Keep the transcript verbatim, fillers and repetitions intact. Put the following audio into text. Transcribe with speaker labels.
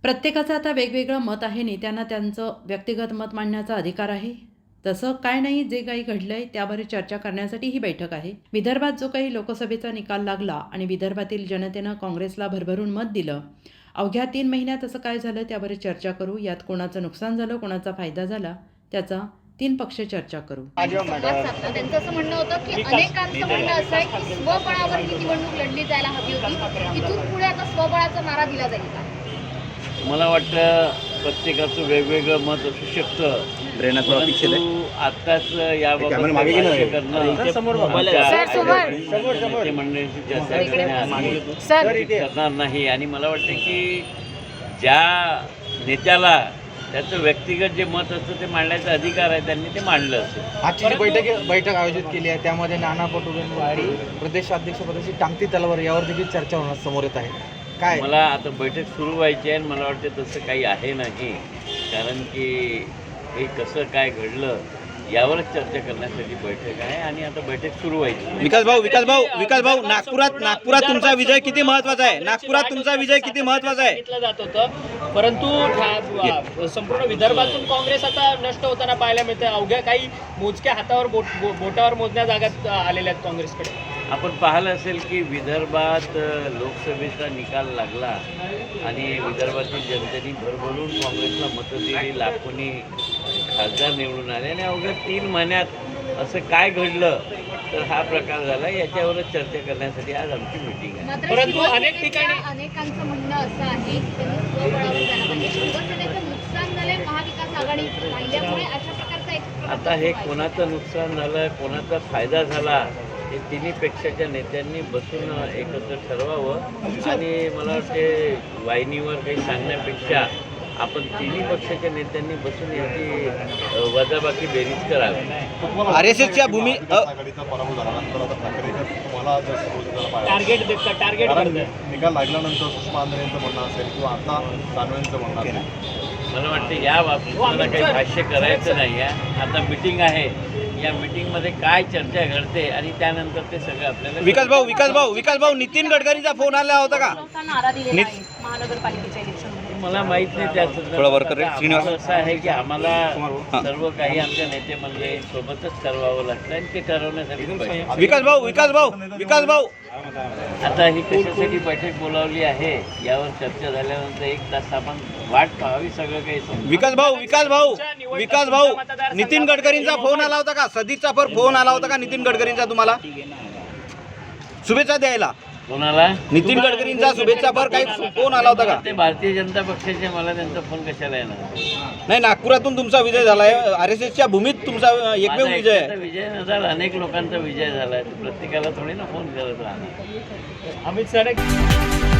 Speaker 1: प्रत्येकाचं आता वेगवेगळं मत आहे. नेत्यांना त्यांचं व्यक्तिगत मत मांडण्याचा अधिकार आहे. तसं काय नाही, जे काही घडलंय त्यावर चर्चा करण्यासाठी ही बैठक आहे. विदर्भात जो काही लोकसभेचा निकाल लागला आणि विदर्भातील जनतेनं काँग्रेसला भरभरून मत दिलं, अवघ्या तीन महिन्यात असं काय झालं त्यावर चर्चा करू. यात कोणाचं नुकसान झालं, कोणाचा फायदा झाला, त्याचा तीन पक्ष चर्चा करू.
Speaker 2: त्यांचं असं म्हणणं होतं की अनेकांचं म्हणणं असं आहे की स्वबळावर ही निवडणूक लढली जायला हवी होती. इथून पुढे आता स्वबळाचा नारा दिला जाईल का?
Speaker 3: मला वाटतं प्रत्येकाचं वेगवेगळं मत असू शकतं. परंतु आत्ताच याबाबत भाष्य करणं नेते मंडळींशी चर्चा करणार नाही. आणि मला वाटतं की ज्या नेत्याला त्याचं व्यक्तिगत जे मत असतं ते मांडण्याचा अधिकार आहे, त्यांनी ते मांडलं असेल.
Speaker 4: आजची जी बैठक बैठक आयोजित केली आहे त्यामध्ये नाना पटोलेंवरती प्रदेशाध्यक्षपदाची टांगती तलवार यावर देखील चर्चा होणार समोर येत आहे. काय
Speaker 3: मला आता बैठक सुरू व्हायची आहे आणि मला वाटतं तसं काही आहे नाही. कारण की हे कसं काय घडलं यावरच चर्चा करण्यासाठी बैठक आहे आणि आता बैठक सुरू व्हायची.
Speaker 5: विकास भाऊ विकास भाऊ विकास भाऊ नागपुरात नागपुरात तुमचा विजय किती महत्त्वाचा आहे? नागपुरात तुमचा विजय किती महत्त्वाचा आहे
Speaker 6: सांगितलं जात होतं, परंतु संपूर्ण विदर्भातून काँग्रेस आता नष्ट होताना पाहायला मिळतं. अवघ्या काही मोजक्या हातावर बोट बो, बोटावर मोजण्या जागात आलेल्या आहेत काँग्रेसकडे.
Speaker 3: आपण पाहिलं असेल की विदर्भात लोकसभेचा निकाल लागला आणि विदर्भातील जनतेने भरभरून काँग्रेसला मतं दिली, लाखोनी खासदार निवडून आले आणि अवघ्या तीन महिन्यात असं काय घडलं तर हा प्रकार झाला. याच्यावरच चर्चा करण्यासाठी आज आमची मीटिंग आहे.
Speaker 6: परंतु अनेक ठिकाणी
Speaker 2: अनेकांचं म्हणणं असं आहे की त्यांनी स्वबळावर जायला पाहिजे. शिवसेनेचं नुकसान झालंय महाविकास आघाडी राहिल्यामुळे अशा प्रकारचा एक
Speaker 3: आता हे कोणाचं नुकसान झालं, कोणाचा फायदा झाला हे तिन्ही पक्षाच्या नेत्यांनी बसून एकत्र ठरवावं. आणि मला वाटते वाहिनीवर काही सांगण्यापेक्षा आपण तिन्ही पक्षाच्या नेत्यांनी बसून याची वजाबाकी बेरीज करावी.
Speaker 5: आर एस एसच्या भूमी
Speaker 6: टार्गेट टार्गेट
Speaker 7: निकाल लागल्यानंतर सुषमा आंध्रे यांचं म्हणणं असेल किंवा आता दानवेंचं म्हणणं असेल,
Speaker 3: मला वाटतं या बाबतीत मला काही भाष्य करायचं नाही आहे. आता मीटिंग आहे, या मीटिंगमध्ये काय चर्चा घडते आणि त्यानंतर ते सगळं आपल्याला.
Speaker 5: विकास भाऊ विकास भाऊ विकास भाऊ नितीन गडकरींचा फोन आला होता का?
Speaker 2: नारा दिलेला आहे महानगरपालिकेच्या इलेक्शन.
Speaker 3: मला माहित नाही
Speaker 5: थोडा वर कर रे,
Speaker 3: त्याचं.
Speaker 5: श्रीनिवास.
Speaker 3: असं आहे की आम्हाला सर्व काही आमच्या नेते मंडळी सोबतच ठरवावं लागतं आणि ते ठरवण्यासाठी बैठक.
Speaker 5: विकास भाऊ विकास भाऊ विकास भाऊ
Speaker 3: आता ही कशासाठी बैठक बोलावली आहे यावर चर्चा झाल्यानंतर एक तास आपण वाट पाहावी, सगळं काही समजून.
Speaker 5: विकास भाऊ विकास भाऊ विकास भाऊ नितीन गडकरींचा फोन आला होता का? सदीचा पर फोन आला होता का नितीन गडकरींचा तुम्हाला शुभेच्छा द्यायला?
Speaker 3: कोणाला?
Speaker 5: नितीन गडकरींचा शुभेच्छा पर काही फोन आला होता का?
Speaker 3: ते भारतीय जनता पक्षाचे, मला त्यांचा फोन कशाला येणार?
Speaker 5: नाही, नागपुरातून तुमचा विजय झालाय. आर एस एसच्या भूमीत तुमचा एकमेव विजय आहे.
Speaker 3: माझा विजय न झाला, अनेक लोकांचा विजय झाला. प्रत्येकाला थोडी ना फोन करत राहणार.
Speaker 6: अमित सर